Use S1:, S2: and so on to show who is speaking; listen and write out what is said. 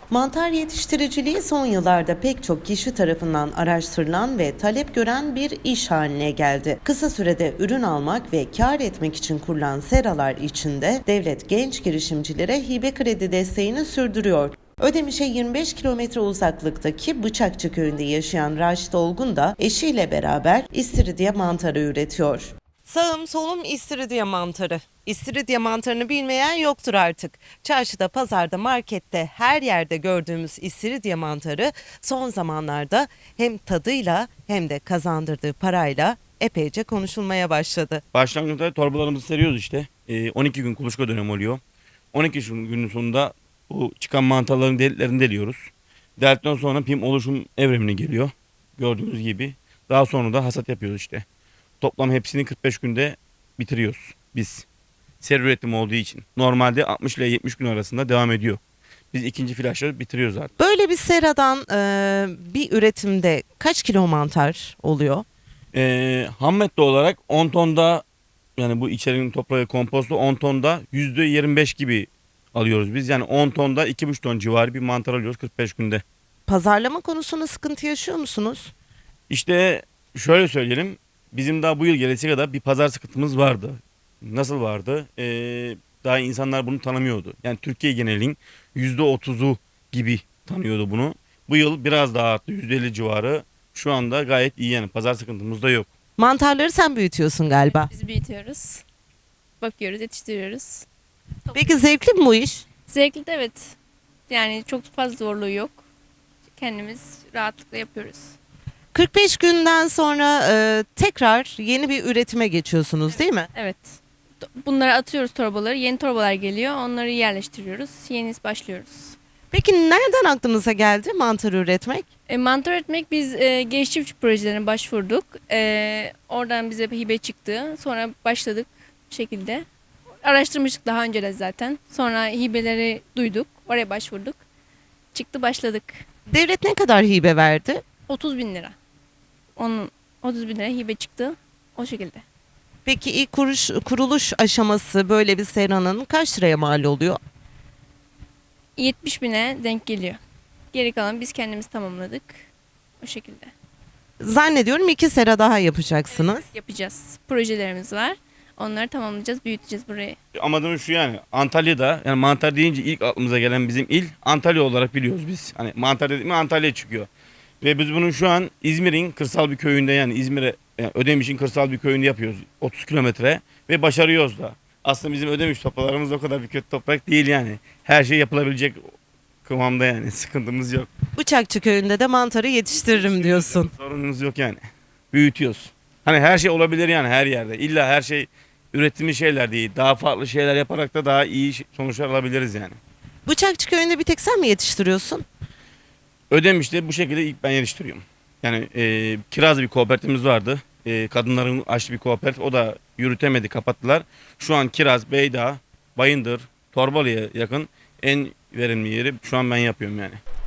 S1: Mantar yetiştiriciliği son yıllarda pek çok kişi tarafından araştırılan ve talep gören bir iş haline geldi. Kısa sürede ürün almak ve kâr etmek için kurulan seralar içinde devlet genç girişimcilere hibe kredi desteğini sürdürüyor. Ödemiş'e 25 kilometre uzaklıktaki Bıçakçı köyünde yaşayan Raşit Olgun da eşiyle beraber istiridye mantarı üretiyor. Sağım solum istiridye mantarı. İstiridye mantarını bilmeyen yoktur artık. Çarşıda, pazarda, markette her yerde gördüğümüz istiridye mantarı son zamanlarda hem tadıyla hem de kazandırdığı parayla epeyce konuşulmaya başladı.
S2: Başlangıçta torbalarımızı seriyoruz işte. 12 gün kuluçka dönemi oluyor. 12 günün sonunda bu çıkan mantarların deliklerini deliyoruz. Deldikten sonra pim oluşum evremine geliyor. Gördüğünüz gibi. Daha sonra da hasat yapıyoruz işte. Toplam hepsini 45 günde bitiriyoruz biz. Seri üretim olduğu için. Normalde 60 ile 70 gün arasında devam ediyor. Biz ikinci flaşları bitiriyoruz artık.
S1: Böyle bir seradan bir üretimde kaç kilo mantar oluyor?
S2: Ham madde olarak 10 tonda, yani bu içerinin toprağı kompostu 10 tonda %25 gibi alıyoruz biz. Yani 10 tonda 2,5 ton civarı bir mantar alıyoruz 45 günde.
S1: Pazarlama konusunda sıkıntı yaşıyor musunuz?
S2: İşte şöyle söyleyelim. Bizim daha bu yıl gelesi kadar bir pazar sıkıntımız vardı. Nasıl vardı? Daha insanlar bunu tanımıyordu. Yani Türkiye genelin %30'u gibi tanıyordu bunu. Bu yıl biraz daha arttı, %50 civarı. Şu anda gayet iyi, yani pazar sıkıntımız da yok.
S1: Mantarları sen büyütüyorsun galiba.
S3: Biz büyütüyoruz. Bakıyoruz, yetiştiriyoruz.
S1: Peki zevkli mi bu iş?
S3: Zevkli de evet. Yani çok fazla zorluğu yok. Kendimiz rahatlıkla yapıyoruz.
S1: 45 günden sonra tekrar yeni bir üretime geçiyorsunuz değil mi?
S3: Evet. Bunları atıyoruz torbaları. Yeni torbalar geliyor. Onları yerleştiriyoruz. Yeni başlıyoruz.
S1: Peki nereden aklınıza geldi mantar üretmek?
S3: Mantar üretmek, biz genç çiftçi projelerine başvurduk. Oradan bize hibe çıktı. Sonra başladık bu şekilde. Araştırmıştık daha önce de zaten. Sonra hibeleri duyduk. Oraya başvurduk. Çıktı, başladık.
S1: Devlet ne kadar hibe verdi?
S3: 30 bin lira. Onun 30 bin lira hibe çıktı. O şekilde.
S1: Peki ilk kuruluş aşaması böyle bir seranın kaç liraya mal oluyor?
S3: 70 bine denk geliyor. Geri kalan biz kendimiz tamamladık. O şekilde.
S1: Zannediyorum 2 sera daha yapacaksınız.
S3: Yapacağız. Projelerimiz var. Onları tamamlayacağız, büyüteceğiz burayı.
S2: Amacımız şu, yani Antalya'da, yani mantar deyince ilk aklımıza gelen bizim il Antalya olarak biliyoruz biz. Hani mantar dedik mi Antalya çıkıyor. Ve biz bunu şu an İzmir'in kırsal bir köyünde, yani İzmir'e, yani Ödemiş'in kırsal bir köyünde yapıyoruz. 30 kilometre ve başarıyoruz da. Aslında bizim Ödemiş topralarımız o kadar bir kötü toprak değil yani. Her şey yapılabilecek kıvamda, yani sıkıntımız yok.
S1: Bıçakçı köyünde de mantarı yetiştiririm diyorsun.
S2: Sorunumuz yok yani. Büyütüyoruz. Hani her şey olabilir yani her yerde. İlla her şey ürettiğimiz şeyler değil. Daha farklı şeyler yaparak da daha iyi sonuçlar alabiliriz yani.
S1: Bıçakçı köyünde bir tek sen mi yetiştiriyorsun?
S2: Ödemiş'te bu şekilde ilk ben yetiştiriyorum. Yani kiraz bir kooperatifimiz vardı. Kadınların açtığı bir kooperatif. O da yürütemedi, kapattılar. Şu an Kiraz, Beydağ, Bayındır, Torbalı'ya yakın en verimli yeri şu an ben yapıyorum yani.